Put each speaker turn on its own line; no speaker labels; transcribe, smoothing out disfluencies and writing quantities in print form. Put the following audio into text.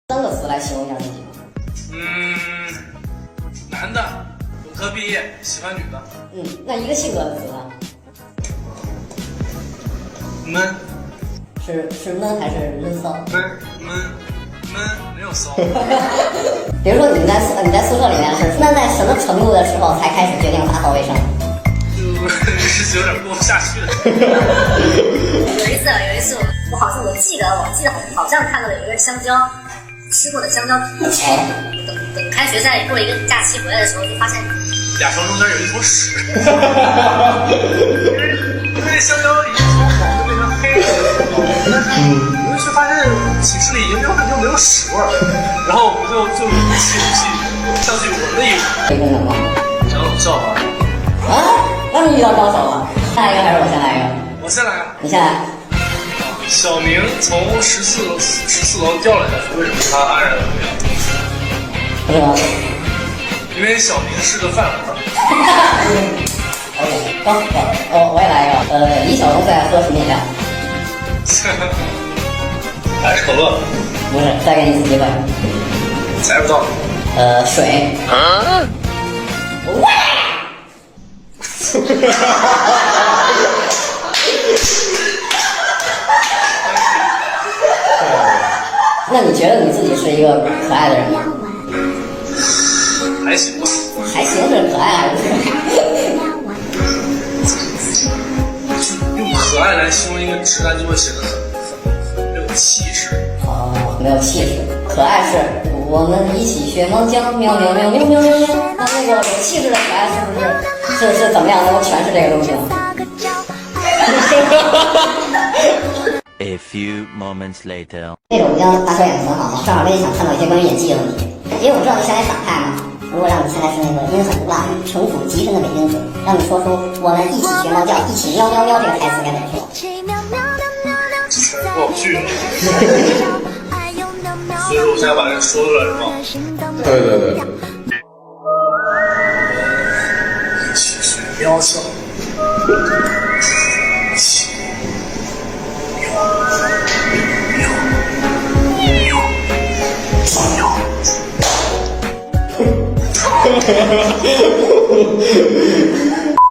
3个词来形容一下自己。
男的，本科毕业，喜欢女的。
那一个性格的词呢？
闷。
是闷还是闷骚？
闷，没有骚。
比如说你在宿舍里面是，那在什么程度的时候才开始决定打扫卫生？
就是有点过不下去了。
有一次我记得好像看到了有一个香蕉，吃过的香蕉皮。等开学在过一个假期回来的时候，就发现
俩床中间有一坨屎。因为香蕉已经从黄就变成黑了，但是你会去发现寝室里已经没有屎味儿，然后我就鼓起勇气上去闻了一闻。讲冷笑话。
那你遇到高手了。下来一个还是我先来一个？
我先来。
你先来。
小明从14楼掉下来，为什么他安然无恙？
不是吗？
因为小明是个饭盒。
OK， 高，我也来一个。李小龙最爱喝什么饮料？
还是可乐？
不是，再给你一次机会。
猜不到。
水。那你觉得你自己是一个可爱的人吗？
还行吧。
还行，是可爱还是可爱？
用可爱来形容一个直男，就会显得很没有气势。
没有气势。可爱是我们一起学猫叫，喵喵喵喵喵喵喵。那个有气质的可爱是怎么样能够诠释这个东西呢
？A few moments later，
那种将打手演得很好嘛，正好我也想看到一些关于演技的问题。因为我知道你现在反派嘛，如果让你现在是那个阴狠毒辣、城府极深的伪君子，让你说出我们一起学猫叫，一起喵喵喵这个台词该怎么说？
过不去了。所以说我现在把这说出来是吗？
对。
一起学喵叫。